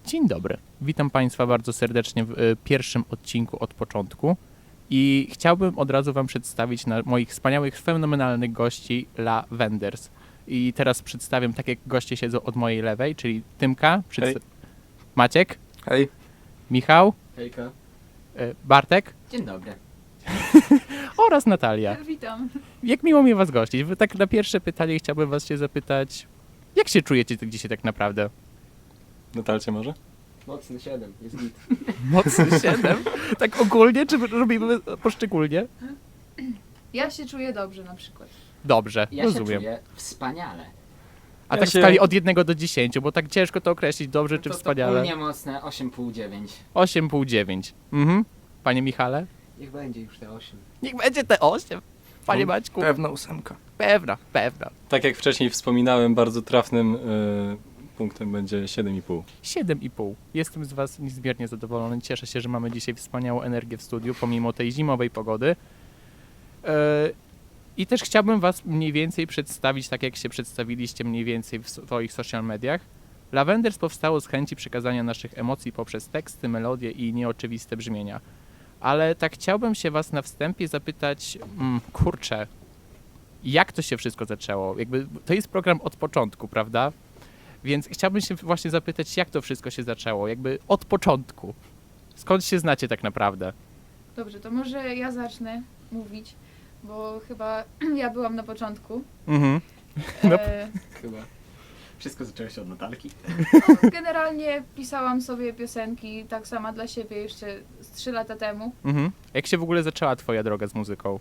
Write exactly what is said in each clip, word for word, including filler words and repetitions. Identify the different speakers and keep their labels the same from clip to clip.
Speaker 1: Dzień dobry. Witam Państwa bardzo serdecznie w y, pierwszym odcinku od początku i chciałbym od razu Wam przedstawić na moich wspaniałych, fenomenalnych gości La Wenders. I teraz przedstawiam tak, jak goście siedzą od mojej lewej, czyli Tymka, przedsta-
Speaker 2: Hej.
Speaker 1: Maciek,
Speaker 2: Hej.
Speaker 1: Michał,
Speaker 3: Hejka.
Speaker 1: y, Bartek
Speaker 3: Dzień dobry.
Speaker 1: oraz Natalia.
Speaker 4: Witam.
Speaker 1: Jak miło mi Was gościć. Wy tak na pierwsze pytanie chciałbym Was się zapytać, jak się czujecie tu dzisiaj tak naprawdę?
Speaker 2: Natalcie może?
Speaker 3: Mocny siedem, jest git.
Speaker 1: Mocny siedem? Tak ogólnie, czy robimy poszczególnie?
Speaker 4: Ja się czuję dobrze na przykład.
Speaker 1: Dobrze,
Speaker 3: Ja
Speaker 1: rozumiem.
Speaker 3: się czuję wspaniale.
Speaker 1: A
Speaker 2: Ja
Speaker 1: tak w
Speaker 2: się-
Speaker 1: skali od jednego do dziesięciu, bo tak ciężko to określić, dobrze czy
Speaker 3: to,
Speaker 1: wspaniale.
Speaker 3: To u mnie mocne osiem pół dziewięć.
Speaker 1: osiem pół dziewięć. Mhm. Panie Michale?
Speaker 3: Niech będzie już te osiem.
Speaker 1: Niech będzie te osiem. Panie Maćku?
Speaker 2: Pewna ósemka.
Speaker 1: Pewna, pewna.
Speaker 2: Tak jak wcześniej wspominałem, bardzo trafnym y, punktem będzie siedem i pół.
Speaker 1: siedem i pół. Jestem z Was niezmiernie zadowolony. Cieszę się, że mamy dzisiaj wspaniałą energię w studiu, pomimo tej zimowej pogody. Yy, I też chciałbym Was mniej więcej przedstawić, tak jak się przedstawiliście mniej więcej w swoich social mediach. La Wenders powstało z chęci przekazania naszych emocji poprzez teksty, melodie i nieoczywiste brzmienia. Ale tak chciałbym się Was na wstępie zapytać, mm, kurczę, jak to się wszystko zaczęło? Jakby to jest program od początku, prawda? Więc chciałbym się właśnie zapytać, jak to wszystko się zaczęło? Jakby od początku. Skąd się znacie tak naprawdę?
Speaker 4: Dobrze, to może ja zacznę mówić, bo chyba ja byłam na początku.
Speaker 1: Mhm. No.
Speaker 4: E,
Speaker 3: Chyba. Wszystko zaczęło się od Natalki.
Speaker 4: no, generalnie pisałam sobie piosenki tak sama dla siebie jeszcze z trzy lata temu.
Speaker 1: Mhm. Jak się w ogóle zaczęła Twoja droga z muzyką?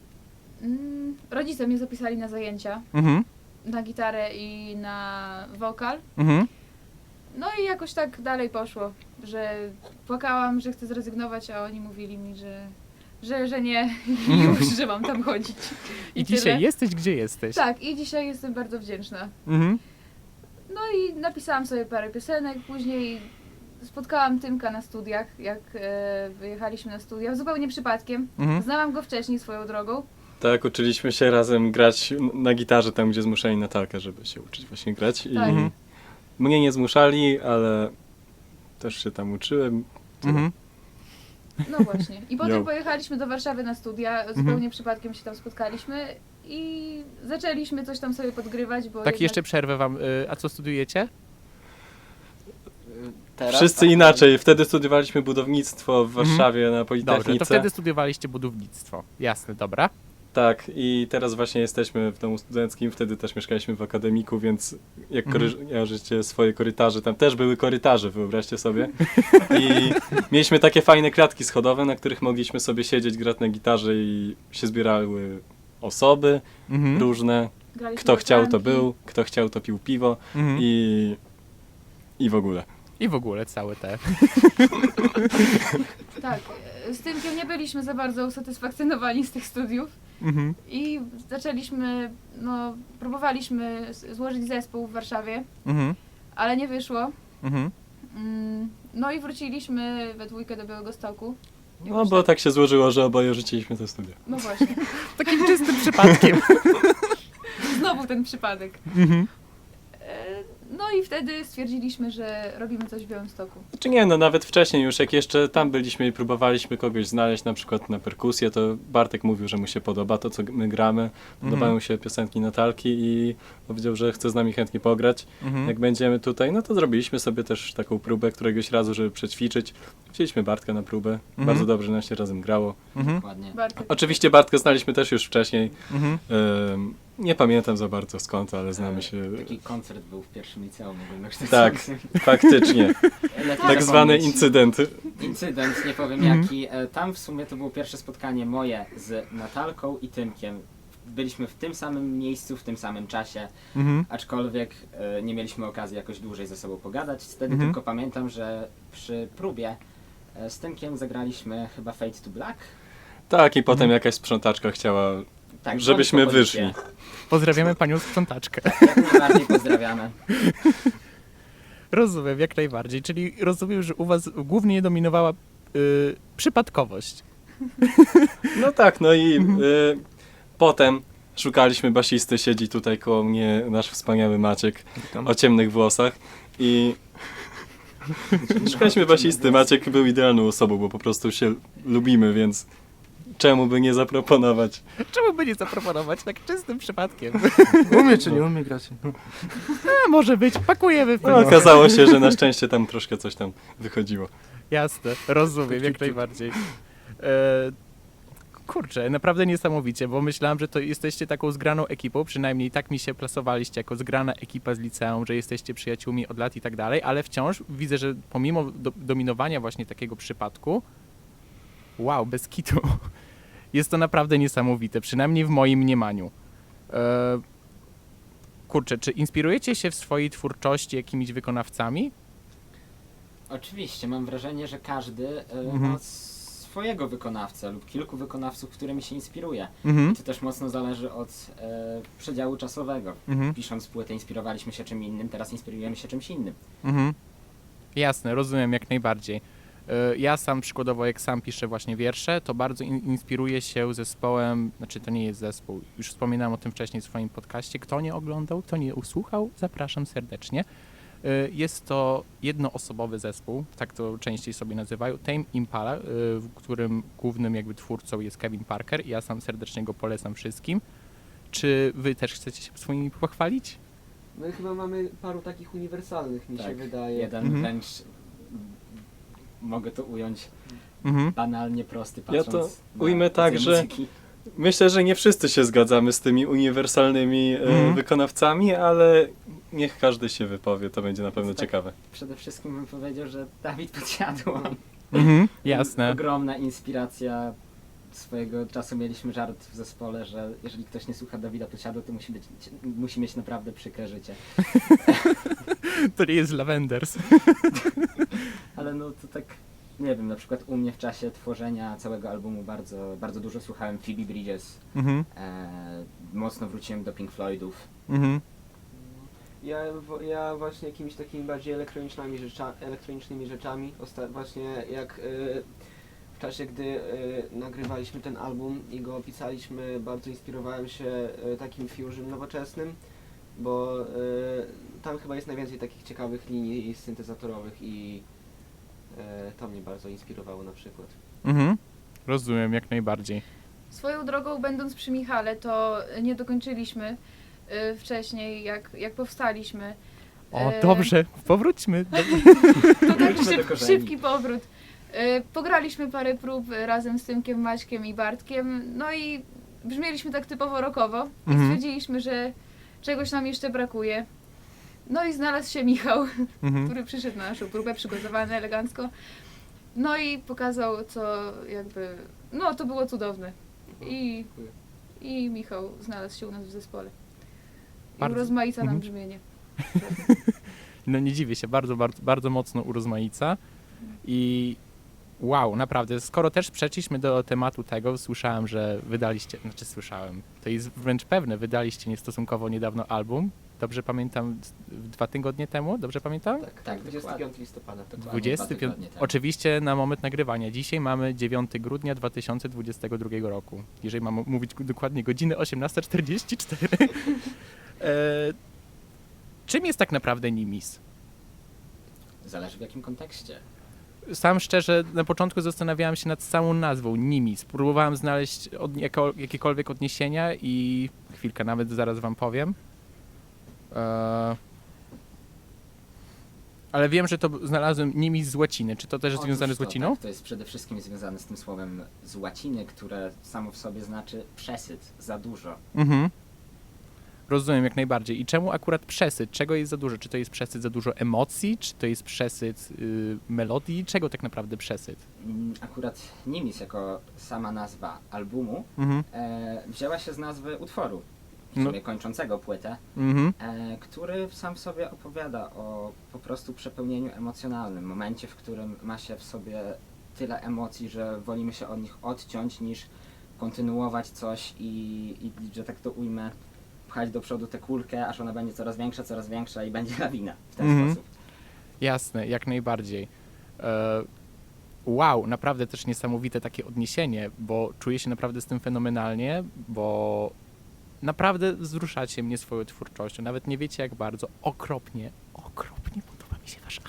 Speaker 4: Mm, rodzice mnie zapisali na zajęcia,
Speaker 1: Mhm.
Speaker 4: na gitarę i na wokal.
Speaker 1: Mhm.
Speaker 4: No i jakoś tak dalej poszło, że płakałam, że chcę zrezygnować, a oni mówili mi, że, że, że nie, już, że mam tam chodzić.
Speaker 1: I
Speaker 4: tyle.
Speaker 1: dzisiaj jesteś, gdzie jesteś?
Speaker 4: Tak, i dzisiaj jestem bardzo wdzięczna.
Speaker 1: Mhm.
Speaker 4: No i napisałam sobie parę piosenek, później spotkałam Tymka na studiach, jak e, wyjechaliśmy na studia, zupełnie przypadkiem.
Speaker 1: Mhm.
Speaker 4: Znałam go wcześniej swoją drogą.
Speaker 2: Tak, uczyliśmy się razem grać n- na gitarze tam, gdzie zmuszali Natalkę, żeby się uczyć właśnie grać. I
Speaker 4: Tak.
Speaker 1: Mhm.
Speaker 2: mnie nie zmuszali, ale też się tam uczyłem.
Speaker 1: Mhm.
Speaker 4: No właśnie. I potem
Speaker 2: Jo.
Speaker 4: pojechaliśmy do Warszawy na studia, zupełnie przypadkiem się tam spotkaliśmy i zaczęliśmy coś tam sobie podgrywać, bo
Speaker 1: Tak,
Speaker 4: jednak...
Speaker 1: jeszcze przerwę Wam. Y, A co studiujecie?
Speaker 3: Teraz,
Speaker 2: Wszyscy
Speaker 3: tak,
Speaker 2: inaczej. Wtedy studiowaliśmy budownictwo w Warszawie na
Speaker 1: Dobrze,
Speaker 2: Politechnice.
Speaker 1: to wtedy studiowaliście budownictwo. Jasne, dobra.
Speaker 2: Tak, i teraz właśnie jesteśmy w domu studenckim, wtedy też mieszkaliśmy w akademiku, więc jak
Speaker 1: Mhm.
Speaker 2: kojarzycie swoje korytarze, tam też były korytarze, wyobraźcie sobie. I mieliśmy takie fajne klatki schodowe, na których mogliśmy sobie siedzieć, grać na gitarze i się zbierały osoby
Speaker 1: Mhm.
Speaker 2: różne.
Speaker 4: graliśmy
Speaker 2: Kto
Speaker 4: w
Speaker 2: chciał, to
Speaker 4: franki.
Speaker 2: był, kto chciał, to pił piwo
Speaker 1: Mhm. I...
Speaker 2: i, i w ogóle.
Speaker 1: I w ogóle całe te.
Speaker 4: Tak, e, z Tymkiem nie byliśmy za bardzo usatysfakcjonowani z tych studiów.
Speaker 1: Mhm.
Speaker 4: I zaczęliśmy, no, próbowaliśmy s- złożyć zespół w Warszawie,
Speaker 1: Mhm.
Speaker 4: ale nie wyszło.
Speaker 1: Mhm.
Speaker 4: Mm, No i wróciliśmy we dwójkę do Białegostoku.
Speaker 2: No bo tak się złożyło, że oboje rzuciliśmy te studia.
Speaker 4: No właśnie,
Speaker 1: Takim czystym przypadkiem.
Speaker 4: znowu ten przypadek.
Speaker 1: Mhm.
Speaker 4: E, No i wtedy stwierdziliśmy, że robimy coś w Białymstoku.
Speaker 2: Czy nie, no nawet wcześniej już, jak jeszcze tam byliśmy i próbowaliśmy kogoś znaleźć, na przykład na perkusję, to Bartek mówił, że mu się podoba to, co my gramy. Podobają
Speaker 1: Mhm.
Speaker 2: mu się piosenki Natalki i powiedział, że chce z nami chętnie pograć.
Speaker 1: Mhm.
Speaker 2: Jak będziemy tutaj, no to zrobiliśmy sobie też taką próbę któregoś razu, żeby przećwiczyć. Wzięliśmy Bartka na próbę.
Speaker 1: Mhm.
Speaker 2: Bardzo dobrze nam się razem grało.
Speaker 1: Mhm.
Speaker 3: Dokładnie.
Speaker 4: Bartek.
Speaker 2: Oczywiście Bartka znaliśmy też już wcześniej.
Speaker 1: Mhm.
Speaker 2: Ym, nie pamiętam za bardzo skąd, ale znamy się.
Speaker 3: Taki koncert był w pierwszym liceum
Speaker 2: Tak,
Speaker 3: ogólnokształcącym.
Speaker 2: faktycznie.
Speaker 3: Lepiej
Speaker 2: Tak zwany
Speaker 3: zapomnieć.
Speaker 2: incydent.
Speaker 3: Incydent, nie powiem
Speaker 1: Mhm.
Speaker 3: jaki. E, Tam w sumie to było pierwsze spotkanie moje z Natalką i Tymkiem. Byliśmy w tym samym miejscu, w tym samym czasie,
Speaker 1: Mhm.
Speaker 3: aczkolwiek e, nie mieliśmy okazji jakoś dłużej ze sobą pogadać. Wtedy
Speaker 1: Mhm.
Speaker 3: tylko pamiętam, że przy próbie e, z Tymkiem zagraliśmy chyba Fade to Black.
Speaker 2: Tak, i potem
Speaker 1: Mhm.
Speaker 2: jakaś sprzątaczka chciała,
Speaker 3: Tak,
Speaker 2: żebyśmy
Speaker 3: dzwoni po policję.
Speaker 2: wyszli.
Speaker 1: Pozdrawiamy panią sprzątaczkę.
Speaker 3: Jak najbardziej pozdrawiamy.
Speaker 1: Rozumiem, jak najbardziej. Czyli rozumiem, że u was głównie dominowała y, przypadkowość.
Speaker 2: No tak, no i y, potem szukaliśmy basisty, siedzi tutaj koło mnie nasz wspaniały Maciek o ciemnych włosach i Szukaliśmy basisty, Maciek był idealną osobą, bo po prostu się lubimy, więc czemu by nie zaproponować?
Speaker 1: Czemu by nie zaproponować tak czystym przypadkiem?
Speaker 5: Umie czy nie umie grać? No.
Speaker 1: A, może być, pakujemy w
Speaker 2: No, okazało się, że na szczęście tam troszkę coś tam wychodziło.
Speaker 1: Jasne, rozumiem,
Speaker 2: Ciup,
Speaker 1: jak
Speaker 2: ciup, ciup.
Speaker 1: najbardziej. E, kurczę, naprawdę niesamowicie, bo myślałem, że to jesteście taką zgraną ekipą, przynajmniej tak mi się plasowaliście jako zgrana ekipa z liceum, że jesteście przyjaciółmi od lat i tak dalej, ale wciąż widzę, że pomimo do, dominowania właśnie takiego przypadku, wow, bez kitu, jest to naprawdę niesamowite, przynajmniej w moim mniemaniu. E, kurczę, czy inspirujecie się w swojej twórczości jakimiś wykonawcami?
Speaker 3: Oczywiście, mam wrażenie, że każdy e,
Speaker 1: Mhm.
Speaker 3: ma swojego wykonawcę lub kilku wykonawców, którymi się inspiruje.
Speaker 1: Mhm,
Speaker 3: I to też mocno zależy od e, przedziału czasowego.
Speaker 1: mhm.
Speaker 3: Pisząc płytę inspirowaliśmy się czym innym, teraz inspirujemy się czymś innym.
Speaker 1: Mhm. Jasne, rozumiem jak najbardziej. Y, Ja sam przykładowo, jak sam piszę właśnie wiersze, to bardzo in- inspiruję się zespołem, znaczy to nie jest zespół, już wspominałem o tym wcześniej w swoim podcaście. Kto nie oglądał, kto nie usłuchał, zapraszam serdecznie. Y, Jest to jednoosobowy zespół, tak to częściej sobie nazywają, Tame Impala, y, w którym głównym jakby twórcą jest Kevin Parker i ja sam serdecznie go polecam wszystkim. Czy wy też chcecie się swoimi pochwalić?
Speaker 5: My chyba mamy paru takich uniwersalnych, mi się
Speaker 3: Tak,
Speaker 5: wydaje.
Speaker 3: Jeden
Speaker 1: Mhm.
Speaker 3: wręcz, m, mogę to ująć,
Speaker 1: Mhm.
Speaker 3: banalnie prosty,
Speaker 2: Ja
Speaker 3: patrząc
Speaker 2: to
Speaker 3: na
Speaker 2: ujmę tak,
Speaker 3: rodzaj
Speaker 2: że-
Speaker 3: muzyki.
Speaker 2: Myślę, że nie wszyscy się zgadzamy z tymi uniwersalnymi e,
Speaker 1: Mhm.
Speaker 2: wykonawcami, ale niech każdy się wypowie, to będzie na pewno
Speaker 3: Tak.
Speaker 2: ciekawe.
Speaker 3: Przede wszystkim bym powiedział, że Dawid Podsiadło.
Speaker 1: Mhm. Jasne.
Speaker 3: Ogromna inspiracja. Swojego czasu mieliśmy żart w zespole, że jeżeli ktoś nie słucha Dawida Podsiadło, to musi, być, musi mieć naprawdę przykre życie.
Speaker 1: To nie jest Lavenders.
Speaker 3: Ale no to tak, nie wiem, na przykład u mnie w czasie tworzenia całego albumu bardzo, bardzo dużo słuchałem Phoebe Bridges.
Speaker 1: Mhm.
Speaker 3: E, mocno wróciłem do Pink Floydów.
Speaker 1: Mhm.
Speaker 5: Ja, wo- ja właśnie jakimiś takimi bardziej elektronicznymi, rzecza, elektronicznymi rzeczami, osta- właśnie jak y, w czasie, gdy y, nagrywaliśmy ten album i go pisaliśmy, bardzo inspirowałem się y, takim fusion nowoczesnym, bo y, tam chyba jest najwięcej takich ciekawych linii syntezatorowych i y, to mnie bardzo inspirowało na przykład.
Speaker 1: Mhm. Rozumiem, jak najbardziej.
Speaker 4: Swoją drogą, będąc przy Michale, to nie dokończyliśmy y, wcześniej, jak, jak powstaliśmy.
Speaker 1: O,
Speaker 4: E,
Speaker 1: dobrze, powróćmy. Do...
Speaker 4: To tak
Speaker 3: Wróćmy do
Speaker 4: szyb,
Speaker 3: korzeni.
Speaker 4: szybki powrót. Y, Pograliśmy parę prób razem z Tymkiem, Maćkiem i Bartkiem, no i brzmieliśmy tak typowo rockowo i
Speaker 1: Mhm.
Speaker 4: stwierdziliśmy, że czegoś nam jeszcze brakuje. No i znalazł się Michał,
Speaker 1: Mhm.
Speaker 4: który przyszedł na naszą próbę, przygotowany elegancko. No i pokazał, co jakby, no to było cudowne. I,
Speaker 5: Dziękuję.
Speaker 4: i Michał znalazł się u nas w zespole. I
Speaker 1: Bardzo-
Speaker 4: urozmaica nam
Speaker 1: Mhm.
Speaker 4: brzmienie.
Speaker 1: No nie dziwię się, bardzo, bardzo, bardzo mocno urozmaica. I wow, naprawdę, skoro też przeszliśmy do tematu tego, słyszałem, że wydaliście, znaczy słyszałem, to jest wręcz pewne, wydaliście niestosunkowo niedawno album. Dobrze pamiętam, z- dwa tygodnie temu, dobrze pamiętam?
Speaker 5: Tak,
Speaker 3: Tak,
Speaker 5: dwudziestego piątego listopada.
Speaker 3: Dokładnie
Speaker 1: dwudziesty
Speaker 3: dwa
Speaker 1: piąty.
Speaker 3: tygodnie temu.
Speaker 1: Oczywiście na moment nagrywania. Dzisiaj mamy dziewiątego grudnia dwa tysiące dwudziestego drugiego roku. Jeżeli mam mówić dokładnie, godziny osiemnasta czterdzieści cztery. e, czym jest tak naprawdę Nimis?
Speaker 3: Zależy w jakim kontekście.
Speaker 1: Sam szczerze na początku zastanawiałem się nad całą nazwą Nimis. Próbowałem znaleźć od, jako, jakiekolwiek odniesienia i chwilkę, nawet zaraz wam powiem. E, ale wiem, że to b- znalazłem Nimis z łaciny. Czy to też jest
Speaker 3: Otóż
Speaker 1: związane z
Speaker 3: to,
Speaker 1: łaciną?
Speaker 3: Tak, to jest przede wszystkim związane z tym słowem z łaciny, które samo w sobie znaczy przesyt, za dużo.
Speaker 1: Mhm. Rozumiem jak najbardziej. I czemu akurat przesyt? Czego jest za dużo? Czy to jest przesyt za dużo emocji? Czy to jest przesyt y, melodii? Czego tak naprawdę przesyt?
Speaker 3: Mm, Akurat Nimis jako sama nazwa albumu
Speaker 1: Mhm.
Speaker 3: e, wzięła się z nazwy utworu, w
Speaker 1: No.
Speaker 3: sumie kończącego płytę,
Speaker 1: Mhm.
Speaker 3: e, który sam w sobie opowiada o po prostu przepełnieniu emocjonalnym, momencie, w którym ma się w sobie tyle emocji, że wolimy się od nich odciąć, niż kontynuować coś i, i że tak to ujmę, pchać do przodu tę kulkę, aż ona będzie coraz większa, coraz większa i będzie lawina w ten
Speaker 1: Mhm.
Speaker 3: sposób.
Speaker 1: Jasne, jak najbardziej. E, wow, naprawdę też niesamowite takie odniesienie, bo czuję się naprawdę z tym fenomenalnie, bo naprawdę wzruszacie mnie swoją twórczością. Nawet nie wiecie jak bardzo. Okropnie, okropnie podoba mi się wasz album.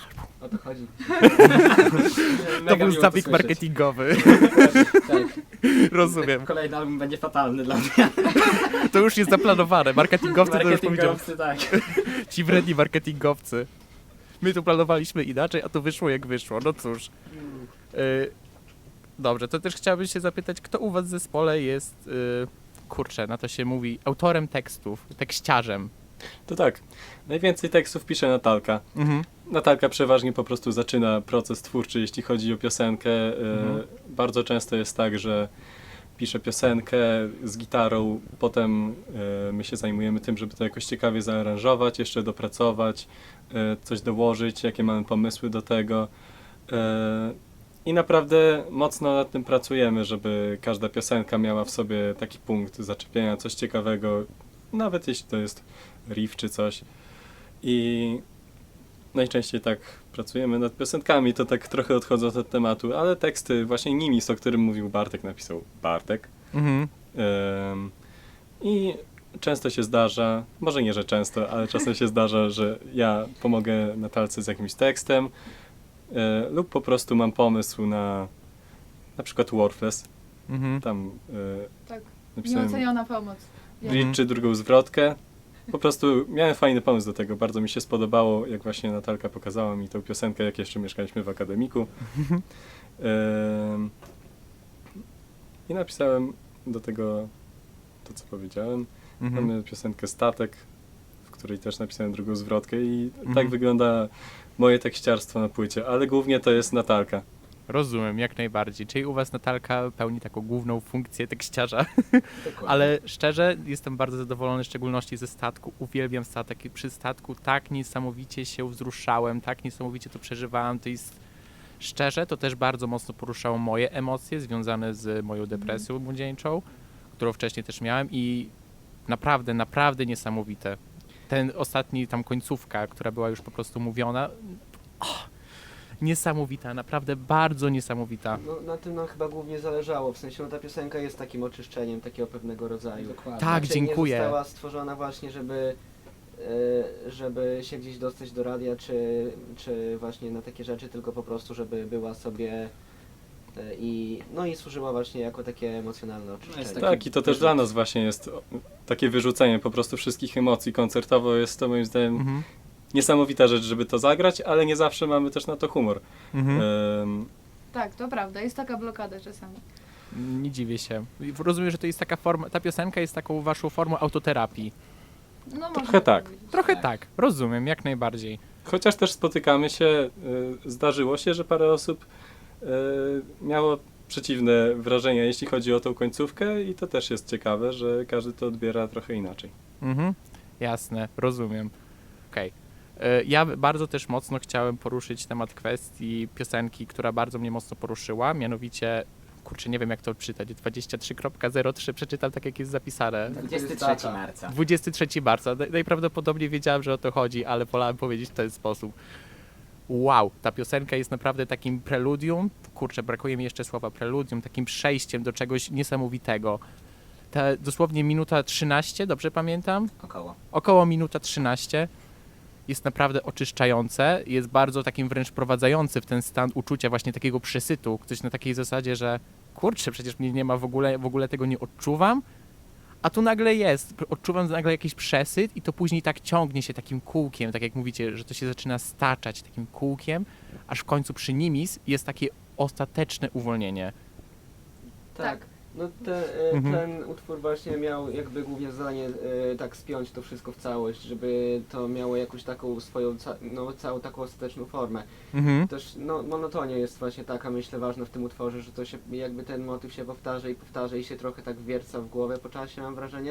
Speaker 5: O to chodzi.
Speaker 1: To był zabieg marketingowy.
Speaker 3: Tak.
Speaker 1: Rozumiem.
Speaker 3: Kolejny album będzie fatalny dla mnie.
Speaker 1: To już jest zaplanowane. Marketingowcy to już powiedziałem.
Speaker 3: Marketingowcy, tak.
Speaker 1: Ci wredni marketingowcy. My tu planowaliśmy inaczej, a to wyszło jak wyszło. No cóż. Y, dobrze, to też chciałbym się zapytać, kto u was w zespole jest, y, kurczę, na to się mówi, autorem tekstów, tekściarzem?
Speaker 2: To tak, najwięcej tekstów pisze Natalka.
Speaker 1: Mhm.
Speaker 2: Natalka przeważnie po prostu zaczyna proces twórczy, jeśli chodzi o piosenkę. E,
Speaker 1: Mhm.
Speaker 2: Bardzo często jest tak, że pisze piosenkę z gitarą, potem e, my się zajmujemy tym, żeby to jakoś ciekawie zaaranżować, jeszcze dopracować, e, coś dołożyć, jakie mamy pomysły do tego. E, I naprawdę mocno nad tym pracujemy, żeby każda piosenka miała w sobie taki punkt zaczepienia, coś ciekawego, nawet jeśli to jest riff czy coś. I najczęściej tak pracujemy nad piosenkami, to tak trochę odchodząc od tematu, ale teksty, właśnie Nimis, o którym mówił Bartek, napisał Bartek.
Speaker 1: Mhm.
Speaker 2: Ym, I często się zdarza, może nie, że często, ale czasem się zdarza, że ja pomogę Natalce z jakimś tekstem y, lub po prostu mam pomysł na na przykład Worthless.
Speaker 1: Mhm.
Speaker 2: Tam y,
Speaker 4: Tak,
Speaker 2: napisałem
Speaker 4: nieoceniona pomoc. Ja.
Speaker 2: bridge czy drugą zwrotkę. Po prostu miałem fajny pomysł do tego, bardzo mi się spodobało, jak właśnie Natalka pokazała mi tę piosenkę, jak jeszcze mieszkaliśmy w akademiku. Ym, I napisałem do tego to, co powiedziałem.
Speaker 1: Mhm.
Speaker 2: Mamy piosenkę Statek, w której też napisałem drugą zwrotkę i
Speaker 1: Mhm.
Speaker 2: tak wygląda moje tekściarstwo na płycie, ale głównie to jest Natalka.
Speaker 1: Rozumiem, jak najbardziej. Czyli u was Natalka pełni taką główną funkcję tekściarza.
Speaker 3: Dokładnie.
Speaker 1: Ale szczerze, jestem bardzo zadowolony, w szczególności ze statku. Uwielbiam statek i przy statku tak niesamowicie się wzruszałem, tak niesamowicie to przeżywałem. To jest, szczerze, to też bardzo mocno poruszało moje emocje związane z moją depresją młodzieńczą, którą wcześniej też miałem i naprawdę, naprawdę niesamowite. Ten ostatni, tam końcówka, która była już po prostu mówiona, oh, niesamowita, naprawdę bardzo niesamowita.
Speaker 5: No, na tym nam chyba głównie zależało, w sensie no, ta piosenka jest takim oczyszczeniem takiego pewnego rodzaju.
Speaker 3: Dokładnie.
Speaker 1: Tak,
Speaker 5: Raczej
Speaker 1: dziękuję.
Speaker 5: Nie została stworzona właśnie, żeby, e, żeby się gdzieś dostać do radia, czy, czy właśnie na takie rzeczy, tylko po prostu, żeby była sobie e, i no i służyła właśnie jako takie emocjonalne oczyszczenie.
Speaker 3: jest
Speaker 2: Tak, i to też dla nas właśnie jest o, takie wyrzucenie po prostu wszystkich emocji. Koncertowo jest to moim zdaniem
Speaker 1: Mhm.
Speaker 2: niesamowita rzecz, żeby to zagrać, ale nie zawsze mamy też na to humor.
Speaker 1: Mhm.
Speaker 2: Ym,
Speaker 4: Tak, to prawda, jest taka blokada czasami.
Speaker 1: Nie dziwię się. Rozumiem, że to jest taka forma, ta piosenka jest taką waszą formą autoterapii.
Speaker 4: No
Speaker 2: Trochę
Speaker 4: można
Speaker 2: tak.
Speaker 4: powiedzieć.
Speaker 1: Trochę
Speaker 3: Tak.
Speaker 1: tak, rozumiem, jak najbardziej.
Speaker 2: Chociaż też spotykamy się, y, zdarzyło się, że parę osób y, miało przeciwne wrażenia, jeśli chodzi o tą końcówkę i to też jest ciekawe, że każdy to odbiera trochę inaczej.
Speaker 1: Mhm. Jasne, rozumiem. Okej. E, Ja bardzo też mocno chciałem poruszyć temat kwestii piosenki, która bardzo mnie mocno poruszyła, mianowicie, kurczę, nie wiem jak to czytać, dwadzieścia trzy zero trzy, przeczytam tak jak jest zapisane.
Speaker 3: dwudziestego trzeciego marca.
Speaker 1: dwudziestego trzeciego marca. Naj- Najprawdopodobniej wiedziałem, że o to chodzi, ale wolałem powiedzieć w ten sposób. Wow, ta piosenka jest naprawdę takim preludium, kurczę, brakuje mi jeszcze słowa preludium, takim przejściem do czegoś niesamowitego. Ta dosłownie minuta trzynaście, dobrze pamiętam?
Speaker 3: Około.
Speaker 1: Około minuta trzynaście jest naprawdę oczyszczające, jest bardzo takim wręcz wprowadzający w ten stan uczucia właśnie takiego przesytu, coś na takiej zasadzie, że kurczę, przecież mnie nie ma w ogóle, w ogóle tego nie odczuwam, a tu nagle jest, odczuwam nagle jakiś przesyt i to później tak ciągnie się takim kółkiem, tak jak mówicie, że to się zaczyna staczać takim kółkiem, aż w końcu przy Nimis jest takie ostateczne uwolnienie.
Speaker 5: Tak.
Speaker 4: Tak.
Speaker 5: No te, e,
Speaker 1: Mhm.
Speaker 5: ten utwór właśnie miał jakby głównie zadanie e, tak spiąć to wszystko w całość, żeby to miało jakąś taką swoją, ca- no całą taką ostateczną formę.
Speaker 1: Mhm.
Speaker 5: Też no, monotonia jest właśnie taka, myślę, ważna w tym utworze, że to się jakby ten motyw się powtarza i powtarza i się trochę tak wierca w głowę po czasie, mam wrażenie.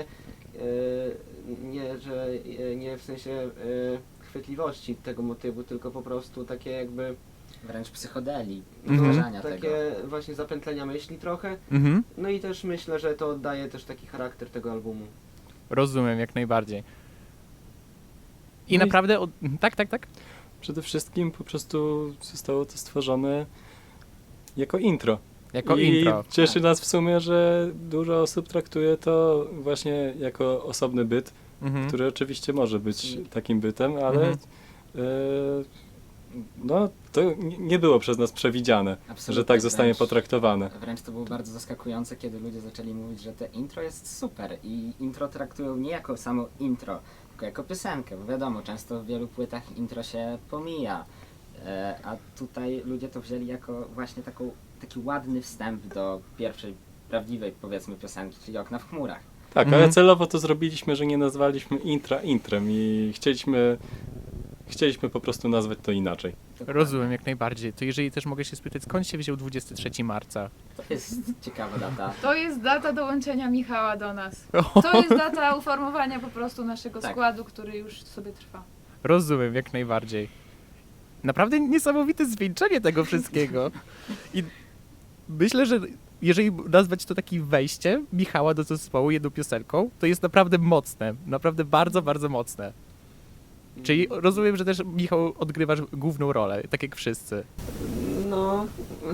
Speaker 5: E, nie, że e, nie w sensie e, chwytliwości tego motywu, tylko po prostu takie jakby
Speaker 3: Wręcz psychodeli,
Speaker 1: Mhm.
Speaker 3: powtarzania tego.
Speaker 5: takie właśnie zapętlenia myśli trochę.
Speaker 1: Mhm.
Speaker 5: No i też myślę, że to oddaje też taki charakter tego albumu.
Speaker 1: Rozumiem, jak najbardziej. I
Speaker 2: No i-
Speaker 1: naprawdę, od... tak, tak, tak?
Speaker 2: Przede wszystkim po prostu zostało to stworzone jako intro.
Speaker 1: Jako
Speaker 2: I
Speaker 1: intro.
Speaker 2: cieszy
Speaker 3: Tak.
Speaker 2: nas w sumie, że dużo osób traktuje to właśnie jako osobny byt,
Speaker 1: Mhm.
Speaker 2: który oczywiście może być takim bytem, ale
Speaker 1: Mhm.
Speaker 2: e, No, to nie- nie było przez nas przewidziane,
Speaker 3: Absolutnie,
Speaker 2: że tak zostanie
Speaker 3: wręcz-
Speaker 2: potraktowane.
Speaker 3: Wręcz to było bardzo zaskakujące, kiedy ludzie zaczęli mówić, że te intro jest super i intro traktują nie jako samo intro, tylko jako piosenkę, bo wiadomo, często w wielu płytach intro się pomija, e, a tutaj ludzie to wzięli jako właśnie taką, taki ładny wstęp do pierwszej prawdziwej, powiedzmy, piosenki, czyli Okna w chmurach.
Speaker 2: Tak,
Speaker 1: Mhm.
Speaker 2: ale celowo to zrobiliśmy, że nie nazwaliśmy intra intrem i chcieliśmy, chcieliśmy po prostu nazwać to inaczej.
Speaker 3: Dokładnie.
Speaker 1: Rozumiem jak najbardziej. To jeżeli też mogę się spytać, skąd się wziął dwudziestego trzeciego marca?
Speaker 3: To jest ciekawa data.
Speaker 4: To jest data dołączenia Michała do nas. To jest data uformowania po prostu naszego
Speaker 3: Tak.
Speaker 4: składu, który już sobie trwa.
Speaker 1: Rozumiem jak najbardziej. Naprawdę niesamowite zwieńczenie tego wszystkiego. I myślę, że jeżeli nazwać to takim wejściem Michała do zespołu jedną piosenką, to jest naprawdę mocne. Naprawdę bardzo, bardzo mocne. Czyli rozumiem, że też Michał odgrywasz główną rolę, tak jak wszyscy.
Speaker 5: No.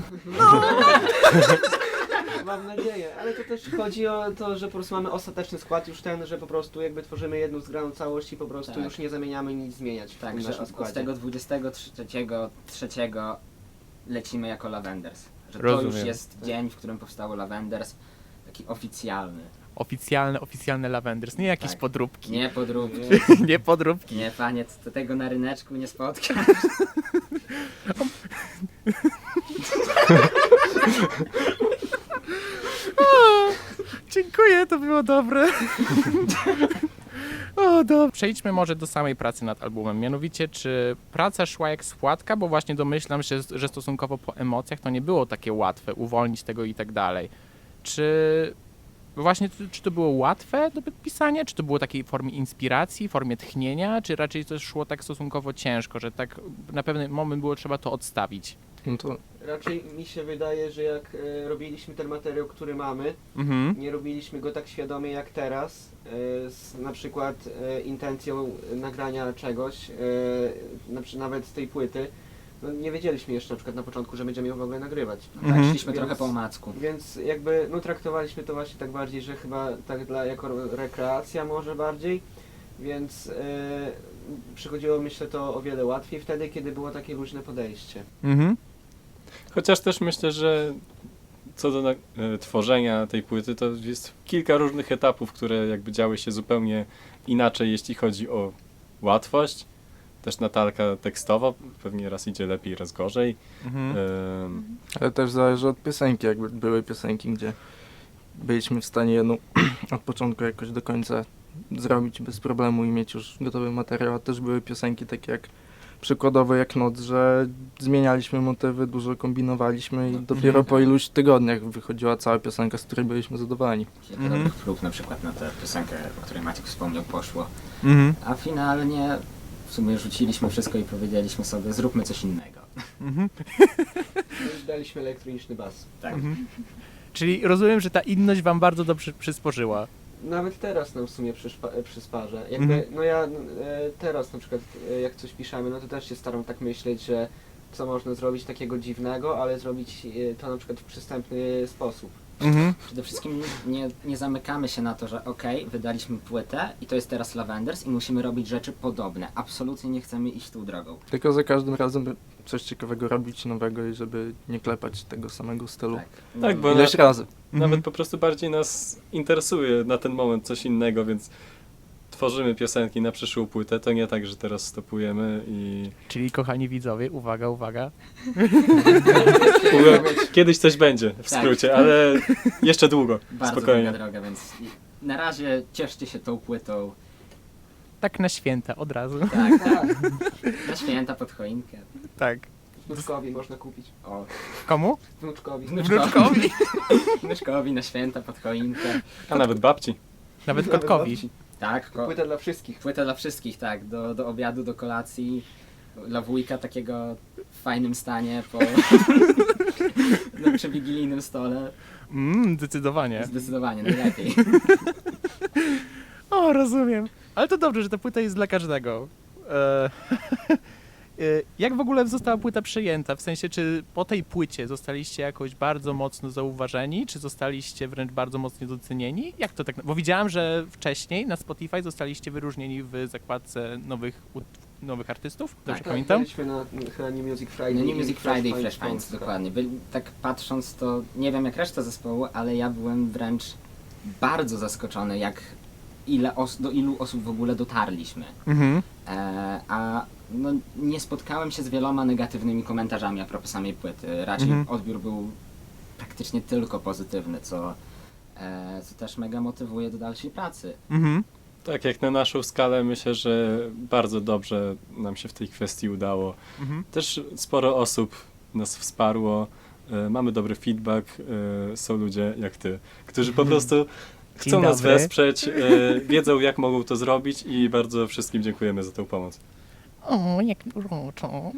Speaker 5: Mam nadzieję, ale to też chodzi o to, że po prostu mamy ostateczny skład już ten, że po prostu jakby tworzymy jedną zgraną całość i po prostu
Speaker 3: Tak.
Speaker 5: już nie zamieniamy nic zmieniać w
Speaker 3: Tak,
Speaker 5: tym
Speaker 3: że
Speaker 5: naszym
Speaker 3: od, od
Speaker 5: składzie.
Speaker 3: tego dwudziestego trzeciego trzeciego lecimy jako Lavenders. Że to
Speaker 1: Rozumiem.
Speaker 3: już jest dzień, w którym powstało Lavenders, taki oficjalny.
Speaker 1: Oficjalne, oficjalne Lavenders, nie jakieś
Speaker 3: Tak.
Speaker 1: podróbki.
Speaker 3: Nie podróbki.
Speaker 1: nie podróbki.
Speaker 3: Nie, panie, t- tego na ryneczku nie spotkasz.
Speaker 1: Dziękuję, to było dobre. O, dobrze. Przejdźmy może do samej pracy nad albumem. Mianowicie, czy praca szła jak spłatka, bo właśnie domyślam się, że stosunkowo po emocjach to nie było takie łatwe, uwolnić tego i tak dalej. Czy właśnie, czy to było łatwe do pisania, czy to było takiej formie inspiracji, formie tchnienia, czy raczej to szło tak stosunkowo ciężko, że tak na pewien moment było trzeba to odstawić?
Speaker 6: No to
Speaker 5: Raczej mi się wydaje, że jak e, robiliśmy ten materiał, który mamy,
Speaker 1: Mhm.
Speaker 5: nie robiliśmy go tak świadomie jak teraz, e, z na przykład e, intencją nagrania czegoś, e, na, przy- nawet z tej płyty. No, nie wiedzieliśmy jeszcze na przykład na początku, że będziemy ją w ogóle nagrywać.
Speaker 1: Mhm.
Speaker 3: Tak, szliśmy
Speaker 5: Więc-
Speaker 3: trochę po omacku.
Speaker 5: Więc jakby no, traktowaliśmy to właśnie tak bardziej, że chyba tak dla, jako rekreacja może bardziej, więc e, przychodziło myślę to o wiele łatwiej wtedy, kiedy było takie luźne podejście.
Speaker 1: Mhm.
Speaker 2: Chociaż też myślę, że co do na- e, tworzenia tej płyty, to jest kilka różnych etapów, które jakby działy się zupełnie inaczej, jeśli chodzi o łatwość. Też Natalka tekstowo, pewnie raz idzie lepiej, raz gorzej.
Speaker 1: Mhm.
Speaker 2: Em,
Speaker 6: ale też zależy od piosenki, jakby były piosenki, gdzie byliśmy w stanie jedną od początku jakoś do końca zrobić bez problemu i mieć już gotowy materiał, a też były piosenki takie jak przykładowo jak Noc, że zmienialiśmy motywy, dużo kombinowaliśmy i dopiero po iluś tygodniach wychodziła cała piosenka, z której byliśmy zadowoleni.
Speaker 3: Kilka
Speaker 1: Mhm.
Speaker 3: dobrych prób na przykład na tę piosenkę, o której Maciek wspomniał, poszło.
Speaker 1: Mhm.
Speaker 3: A finalnie w sumie rzuciliśmy wszystko i powiedzieliśmy sobie, zróbmy coś innego.
Speaker 1: Mhm.
Speaker 5: Już daliśmy elektroniczny bas.
Speaker 3: Tak.
Speaker 1: Mhm. Czyli rozumiem, że ta inność wam bardzo dobrze przysporzyła.
Speaker 5: Nawet teraz nam w sumie przyszpa- przysparza. Jakby,
Speaker 1: Mhm.
Speaker 5: no ja e, teraz na przykład e, jak coś piszemy, no to też się staram tak myśleć, że co można zrobić takiego dziwnego, ale zrobić e, to na przykład w przystępny sposób.
Speaker 1: Mhm.
Speaker 3: Przede wszystkim nie, nie zamykamy się na to, że okej, wydaliśmy płytę i to jest teraz Lavenders i musimy robić rzeczy podobne. Absolutnie nie chcemy iść tą drogą.
Speaker 6: Tylko za każdym razem coś ciekawego robić, nowego i żeby nie klepać tego samego stylu.
Speaker 3: Tak,
Speaker 2: Tak, bo
Speaker 6: Ileś
Speaker 2: na-
Speaker 6: razy.
Speaker 2: Nawet
Speaker 1: Mhm.
Speaker 2: po prostu bardziej nas interesuje na ten moment coś innego, więc tworzymy piosenki na przyszłą płytę. To nie tak, że teraz stopujemy i
Speaker 1: Czyli kochani widzowie, uwaga, uwaga.
Speaker 2: kiedyś coś będzie w
Speaker 3: Tak.
Speaker 2: skrócie, ale jeszcze długo,
Speaker 3: Bardzo
Speaker 2: spokojnie.
Speaker 3: długa droga, więc na razie cieszcie się tą płytą.
Speaker 1: Tak na święta, od razu.
Speaker 3: Tak, tak. Na święta pod choinkę.
Speaker 1: Tak.
Speaker 5: Wnuczkowi można kupić.
Speaker 3: O,
Speaker 1: Komu?
Speaker 5: Wnuczkowi.
Speaker 3: wnuczkowi. Wnuczkowi na święta pod choinkę.
Speaker 2: A nawet babci.
Speaker 1: Nawet
Speaker 5: Nawet
Speaker 1: kotkowi.
Speaker 5: babci.
Speaker 3: Tak, ko-
Speaker 5: Płyta dla wszystkich.
Speaker 3: płyta dla wszystkich, tak. Do, do obiadu, do kolacji. Dla wujka takiego w fajnym stanie po... na przewigilijnym stole.
Speaker 1: Mm, zdecydowanie.
Speaker 3: Zdecydowanie, najlepiej.
Speaker 1: O, rozumiem. Ale to dobrze, że ta płyta jest dla każdego. E, e, Jak w ogóle została płyta przyjęta? W sensie, czy po tej płycie zostaliście jakoś bardzo mocno zauważeni, czy zostaliście wręcz bardzo mocno docenieni? Jak to tak? Bo widziałem, że wcześniej na Spotify zostaliście wyróżnieni w zakładce nowych ut- nowych artystów? Dobrze
Speaker 5: Tak,
Speaker 1: pamiętam?
Speaker 5: byliśmy na chyba New Music Friday.
Speaker 3: No, New
Speaker 5: i
Speaker 3: Music Friday i
Speaker 5: Flash
Speaker 3: Flash
Speaker 5: Finds,
Speaker 3: Finds,
Speaker 5: tak.
Speaker 3: dokładnie. By, tak patrząc to, nie wiem jak reszta zespołu, ale ja byłem wręcz bardzo zaskoczony, jak ile os- do ilu osób w ogóle dotarliśmy.
Speaker 1: Mhm.
Speaker 3: E, a no, nie spotkałem się z wieloma negatywnymi komentarzami a propos samej płyty. Raczej
Speaker 1: Mhm.
Speaker 3: odbiór był praktycznie tylko pozytywny, co, e, co też mega motywuje do dalszej pracy.
Speaker 1: Mhm.
Speaker 2: Tak, jak na naszą skalę myślę, że bardzo dobrze nam się w tej kwestii udało.
Speaker 1: Mhm.
Speaker 2: Też sporo osób nas wsparło, e, mamy dobry feedback, e, są ludzie jak ty, którzy po prostu chcą nas
Speaker 1: dobry.
Speaker 2: wesprzeć, e, wiedzą jak mogą to zrobić i bardzo wszystkim dziękujemy za tę pomoc.
Speaker 1: O, jak uroczo. O.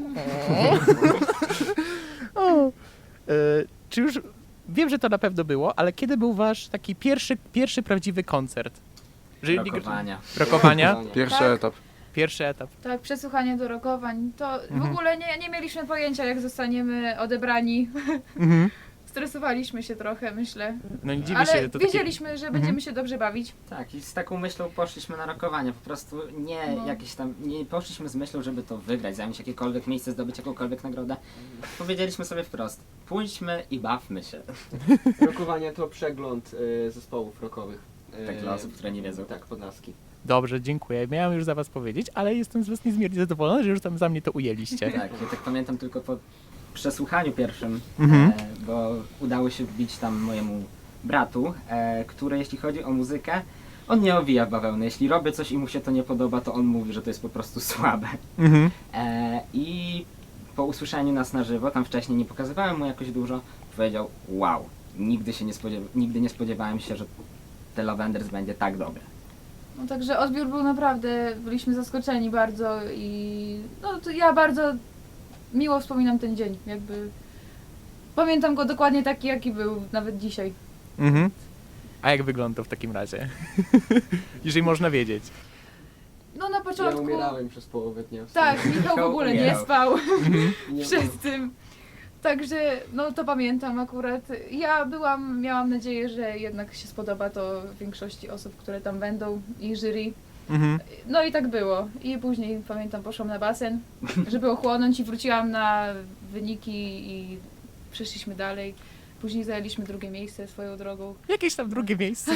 Speaker 1: o. E, czy już, wiem, że to na pewno było, ale kiedy był wasz taki pierwszy, pierwszy prawdziwy koncert? Że-
Speaker 3: Rokowania.
Speaker 1: Rokowania?
Speaker 6: Pierwszy
Speaker 4: Tak.
Speaker 6: etap.
Speaker 1: Pierwszy etap.
Speaker 4: Tak, przesłuchanie do rokowań. To w
Speaker 1: Mhm.
Speaker 4: ogóle nie, nie mieliśmy pojęcia, jak zostaniemy odebrani.
Speaker 1: Mhm.
Speaker 4: Stresowaliśmy się trochę, myślę.
Speaker 1: No nie dziwię
Speaker 4: Ale
Speaker 1: się, to takie...
Speaker 4: wiedzieliśmy, że będziemy się dobrze bawić.
Speaker 3: Tak, i z taką myślą poszliśmy na rokowania. Po prostu nie
Speaker 4: No.
Speaker 3: jakieś tam, nie poszliśmy z myślą, żeby to wygrać, zająć jakiekolwiek miejsce, zdobyć jakąkolwiek nagrodę. Powiedzieliśmy sobie wprost, pójdźmy i bawmy się.
Speaker 5: Rokowanie to przegląd y, zespołów rockowych. Y,
Speaker 3: Tak dla osób, które nie wiedzą.
Speaker 5: Tak, Podlaski.
Speaker 1: Dobrze, dziękuję. Miałem już za was powiedzieć, ale jestem z was niezmiernie zadowolony, że już tam za mnie to ujęliście.
Speaker 3: Tak, ja tak pamiętam tylko po przesłuchaniu pierwszym,
Speaker 1: Mhm.
Speaker 3: e, bo udało się wbić tam mojemu bratu, e, który jeśli chodzi o muzykę, on nie owija w bawełnę. Jeśli robię coś i mu się to nie podoba, to on mówi, że to jest po prostu słabe.
Speaker 1: Mhm.
Speaker 3: E, I po usłyszeniu nas na żywo, tam wcześniej nie pokazywałem mu jakoś dużo, powiedział wow, nigdy się nie, spodziew- nigdy nie spodziewałem się, że The Lavenders będzie tak dobre.
Speaker 4: No także odbiór był naprawdę, byliśmy zaskoczeni bardzo i no to ja bardzo miło wspominam ten dzień, jakby pamiętam go dokładnie taki, jaki był, nawet dzisiaj.
Speaker 1: Mhm. A jak wygląda w takim razie? Jeżeli można wiedzieć.
Speaker 4: No na
Speaker 5: Ja
Speaker 4: początku...
Speaker 5: umierałem przez połowę dnia.
Speaker 4: Tak, Michał w
Speaker 3: Michał
Speaker 4: ogóle nie
Speaker 3: umierał.
Speaker 4: spał
Speaker 5: Nie,
Speaker 4: przed tym. Także no to pamiętam akurat. Ja byłam, miałam nadzieję, że jednak się spodoba to większości osób, które tam będą i jury.
Speaker 1: Mhm.
Speaker 4: No i tak było. I później pamiętam poszłam na basen, żeby ochłonąć i wróciłam na wyniki i przeszliśmy dalej. Później zajęliśmy drugie miejsce swoją drogą
Speaker 1: Jakieś tam drugie miejsce.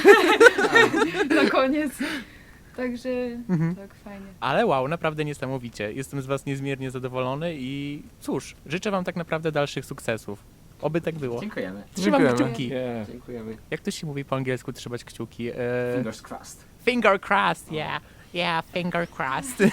Speaker 4: na koniec. Także
Speaker 1: Mhm.
Speaker 4: tak, fajnie.
Speaker 1: Ale wow, naprawdę niesamowicie. Jestem z was niezmiernie zadowolony i cóż, życzę wam tak naprawdę dalszych sukcesów. Oby tak było.
Speaker 3: Dziękujemy.
Speaker 1: Trzymam
Speaker 6: Dziękujemy.
Speaker 1: kciuki.
Speaker 2: Yeah.
Speaker 5: Dziękujemy.
Speaker 1: Jak to się mówi po angielsku, trzymać kciuki? E...
Speaker 3: Fingers crossed.
Speaker 1: Finger crossed, yeah. Yeah, finger crossed.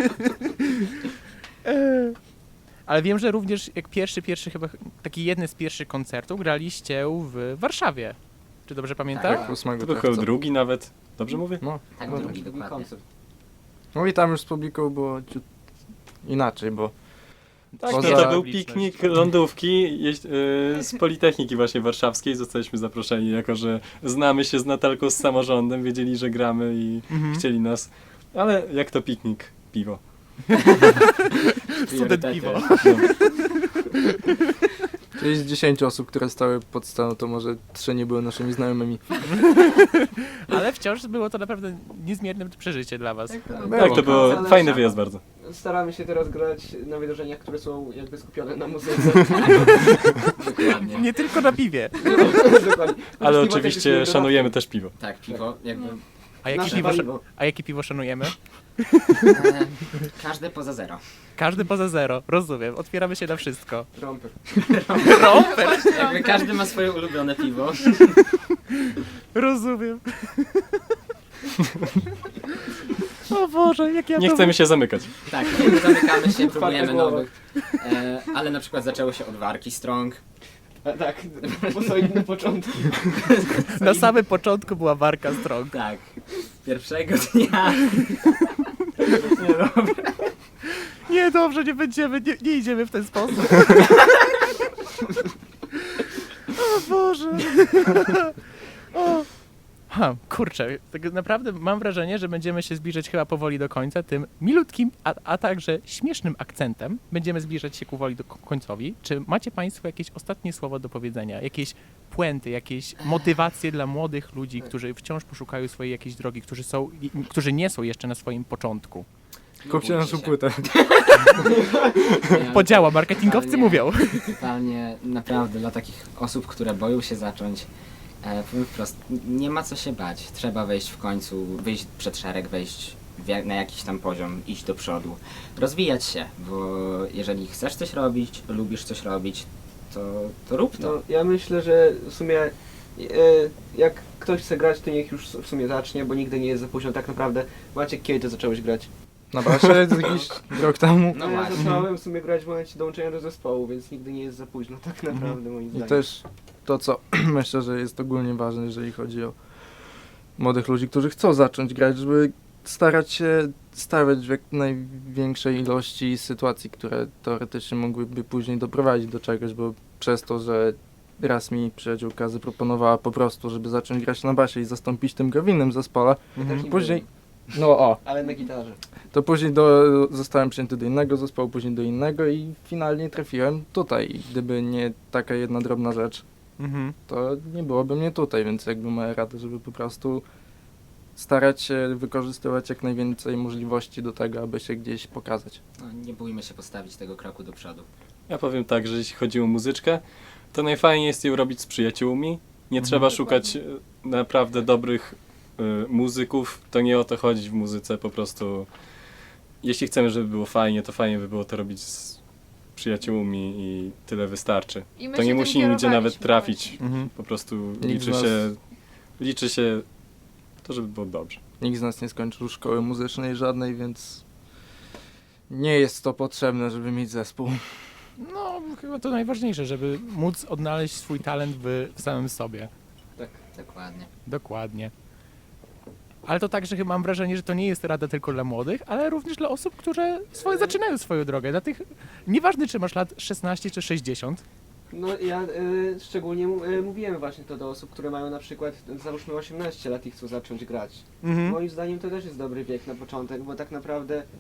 Speaker 1: E, Ale wiem, że również jak pierwszy, pierwszy chyba, taki jedny z pierwszych koncertów graliście w Warszawie. Czy dobrze pamiętam?
Speaker 6: Tak, ósmego
Speaker 2: To był
Speaker 6: czerwca.
Speaker 2: chyba drugi nawet, dobrze mówię?
Speaker 6: No.
Speaker 3: Tak,
Speaker 6: No,
Speaker 3: drugi,
Speaker 5: Drugi
Speaker 3: dokładnie.
Speaker 5: koncert.
Speaker 6: no i tam już z publiką było ciut inaczej, bo
Speaker 2: Tak,
Speaker 6: Poza-
Speaker 2: no to był
Speaker 1: publiczność.
Speaker 2: piknik lądówki jeź- y, z Politechniki właśnie warszawskiej. Zostaliśmy zaproszeni, jako że znamy się z Natalką z samorządem, wiedzieli, że gramy i
Speaker 1: Mhm.
Speaker 2: chcieli nas. Ale jak to piknik? Piwo.
Speaker 1: Student
Speaker 3: Priorytety.
Speaker 1: piwo.
Speaker 6: czyli z dziesięciu osób, które stały pod sceną, to może trzy nie były naszymi znajomymi.
Speaker 1: Ale wciąż było to naprawdę niezmierne przeżycie dla was.
Speaker 4: Tak to
Speaker 5: Tak.
Speaker 6: Było.
Speaker 2: Tak, to było
Speaker 5: Ale
Speaker 2: fajny
Speaker 5: trzeba.
Speaker 2: wyjazd bardzo.
Speaker 5: Staramy się teraz grać na wydarzeniach, które są jakby skupione na muzyce.
Speaker 3: Dokładnie.
Speaker 1: Nie tylko na piwie.
Speaker 5: Dokładnie.
Speaker 2: Ale
Speaker 5: Piwo też
Speaker 2: oczywiście
Speaker 5: jest
Speaker 2: szanujemy też piwo.
Speaker 3: Tak, piwo, jakby
Speaker 1: A jakie
Speaker 5: Nasze
Speaker 1: piwo, szan-
Speaker 5: paliwo.
Speaker 1: a jakie piwo szanujemy?
Speaker 3: e, każdy poza zero.
Speaker 1: Każdy poza zero, rozumiem. Otwieramy się na wszystko.
Speaker 5: Romper.
Speaker 1: Romper,
Speaker 3: Jakby każdy ma swoje ulubione piwo.
Speaker 1: rozumiem. O Boże, jak ja
Speaker 2: Nie
Speaker 1: to...
Speaker 2: chcemy się zamykać.
Speaker 3: Tak, nie zamykamy się, próbujemy
Speaker 5: głowa.
Speaker 3: nowych. E, ale na przykład zaczęło się od warki Strong.
Speaker 5: A, tak, bo są inne początki.
Speaker 1: Na samym początku była warka strong.
Speaker 3: Tak, pierwszego dnia. Nie, dobra.
Speaker 1: Nie, dobrze, nie będziemy, nie, nie idziemy w ten sposób. O Boże. O. Ha, kurczę, tak naprawdę mam wrażenie, że będziemy się zbliżać chyba powoli do końca tym milutkim, a, a także śmiesznym akcentem. Będziemy zbliżać się powoli do ko- końcowi. Czy macie Państwo jakieś ostatnie słowo do powiedzenia? Jakieś puenty, jakieś motywacje dla młodych ludzi, którzy wciąż poszukają swojej jakiejś drogi, którzy są, i- którzy nie są jeszcze na swoim początku?
Speaker 6: Kupcie naszą
Speaker 3: się.
Speaker 6: płytę.
Speaker 3: Ja-
Speaker 1: Podziała, marketingowcy
Speaker 3: Totalnie-
Speaker 1: mówią.
Speaker 3: Totalnie, naprawdę, dla takich osób, które boją się zacząć, e, powiem wprost, nie ma co się bać. Trzeba wejść w końcu, wyjść przed szereg, wejść w jak- na jakiś tam poziom, iść do przodu, rozwijać się, bo jeżeli chcesz coś robić, lubisz coś robić, to, to rób to.
Speaker 5: No, ja myślę, że w sumie e, jak ktoś chce grać, to niech już w sumie zacznie, bo nigdy nie jest za późno. Tak naprawdę, Maciek, kiedy ty zacząłeś grać?
Speaker 6: Na basie jakiś rok temu.
Speaker 3: No
Speaker 5: No ja
Speaker 3: właśnie.
Speaker 5: zacząłem w sumie grać w momencie dołączenia do zespołu, więc nigdy nie jest za późno, tak naprawdę moim
Speaker 6: I
Speaker 5: zdaniem.
Speaker 6: też to, co myślę, że jest ogólnie ważne, jeżeli chodzi o młodych ludzi, którzy chcą zacząć grać, żeby starać się stawiać w jak największej ilości sytuacji, które teoretycznie mogłyby później doprowadzić do czegoś, bo przez to, że raz mi przyjaciółka zaproponowała po prostu, żeby zacząć grać na basie i zastąpić tym go w innym zespole,
Speaker 5: Ja też nie
Speaker 6: później,
Speaker 5: byłem,
Speaker 6: no o,
Speaker 5: ale na gitarze.
Speaker 6: to później do, zostałem przyjęty do innego zespołu, później do innego i finalnie trafiłem tutaj. I gdyby nie taka jedna drobna rzecz,
Speaker 1: Mhm.
Speaker 6: to nie byłoby mnie tutaj, więc jakby moja rada, żeby po prostu starać się wykorzystywać jak najwięcej możliwości do tego, aby się gdzieś pokazać.
Speaker 3: No, nie bójmy się postawić tego kroku do przodu.
Speaker 2: Ja powiem tak, że jeśli chodzi o muzyczkę, to najfajniej jest ją robić z przyjaciółmi. Nie
Speaker 1: Mhm.
Speaker 2: trzeba szukać e, naprawdę dobrych e, muzyków. To nie o to chodzi w muzyce, po prostu jeśli chcemy, żeby było fajnie, to fajnie by było to robić z przyjaciółmi i tyle wystarczy.
Speaker 4: I my
Speaker 2: To
Speaker 4: się
Speaker 2: nie
Speaker 4: tym
Speaker 2: musi nigdzie nawet
Speaker 4: kierowaliśmy
Speaker 2: trafić.
Speaker 4: właśnie.
Speaker 1: Mhm.
Speaker 2: Po prostu
Speaker 6: Nikt
Speaker 2: liczy
Speaker 6: z nas-
Speaker 2: się, liczy się to, żeby było dobrze.
Speaker 6: Nikt z nas nie skończył szkoły muzycznej żadnej, więc nie jest to potrzebne, żeby mieć zespół.
Speaker 1: No, chyba to najważniejsze, żeby móc odnaleźć swój talent w, w samym sobie.
Speaker 5: Tak.
Speaker 3: Dokładnie.
Speaker 1: Dokładnie. Ale to także chyba mam wrażenie, że to nie jest rada tylko dla młodych, ale również dla osób, które swoje, zaczynają swoją drogę. Dla tych, nieważne czy masz lat szesnaście czy sześćdziesiąt.
Speaker 5: No ja y, szczególnie y, mówiłem właśnie to do osób, które mają na przykład załóżmy osiemnaście lat i chcą zacząć grać.
Speaker 1: Mhm.
Speaker 5: Moim zdaniem to też jest dobry wiek na początek, bo tak naprawdę y,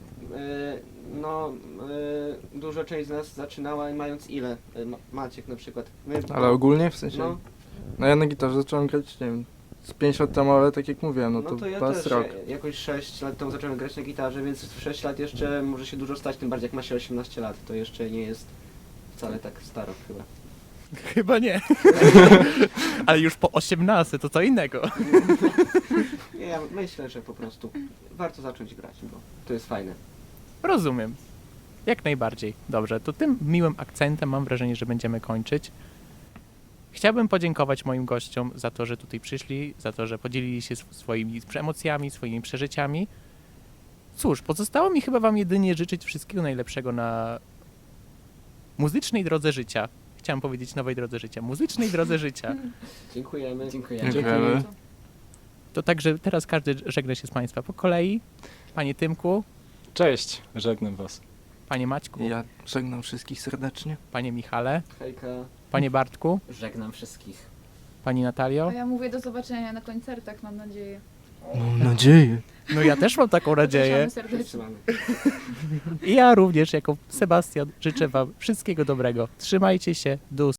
Speaker 5: no y, duża część z nas zaczynała mając ile? Y, Ma- Maciek na przykład. My,
Speaker 6: Ale ogólnie w sensie,
Speaker 5: no,
Speaker 6: no ja na gitarze zacząłem grać, nie wiem, z pięć lat temu, ale tak jak mówiłem, no
Speaker 5: no
Speaker 6: to,
Speaker 5: to ja
Speaker 6: pas
Speaker 5: też
Speaker 6: rok.
Speaker 5: ja- jakoś sześć lat temu zacząłem grać na gitarze, więc w sześć lat jeszcze może się dużo stać, tym bardziej jak ma się osiemnaście lat, to jeszcze nie jest wcale tak staro chyba.
Speaker 1: Chyba nie. Ale już po osiemnaście to co innego.
Speaker 5: Nie, ja myślę, że po prostu warto zacząć grać, bo to jest fajne.
Speaker 1: Rozumiem. Jak najbardziej. Dobrze, to tym miłym akcentem mam wrażenie, że będziemy kończyć. Chciałbym podziękować moim gościom za to, że tutaj przyszli, za to, że podzielili się sw- swoimi emocjami, swoimi przeżyciami. Cóż, pozostało mi chyba wam jedynie życzyć wszystkiego najlepszego na muzycznej drodze życia. Chciałem powiedzieć nowej drodze życia. Muzycznej drodze życia.
Speaker 5: Dziękujemy.
Speaker 3: Dziękujemy.
Speaker 6: Dziękujemy.
Speaker 1: To także teraz każdy żegna się z Państwa po kolei. Panie Tymku,
Speaker 2: Cześć, żegnam was.
Speaker 1: Panie Maćku,
Speaker 6: Ja żegnam wszystkich serdecznie.
Speaker 1: Panie Michale,
Speaker 5: Hejka.
Speaker 1: Panie Bartku,
Speaker 3: Żegnam wszystkich.
Speaker 1: Pani Natalio.
Speaker 4: A ja mówię do zobaczenia na koncertach, mam nadzieję.
Speaker 6: Mam nadzieję.
Speaker 1: No ja też mam taką nadzieję.
Speaker 4: Zapraszamy
Speaker 5: Wszyscy
Speaker 4: serdecznie.
Speaker 5: mamy.
Speaker 1: I ja również jako Sebastian życzę Wam wszystkiego dobrego. Trzymajcie się, do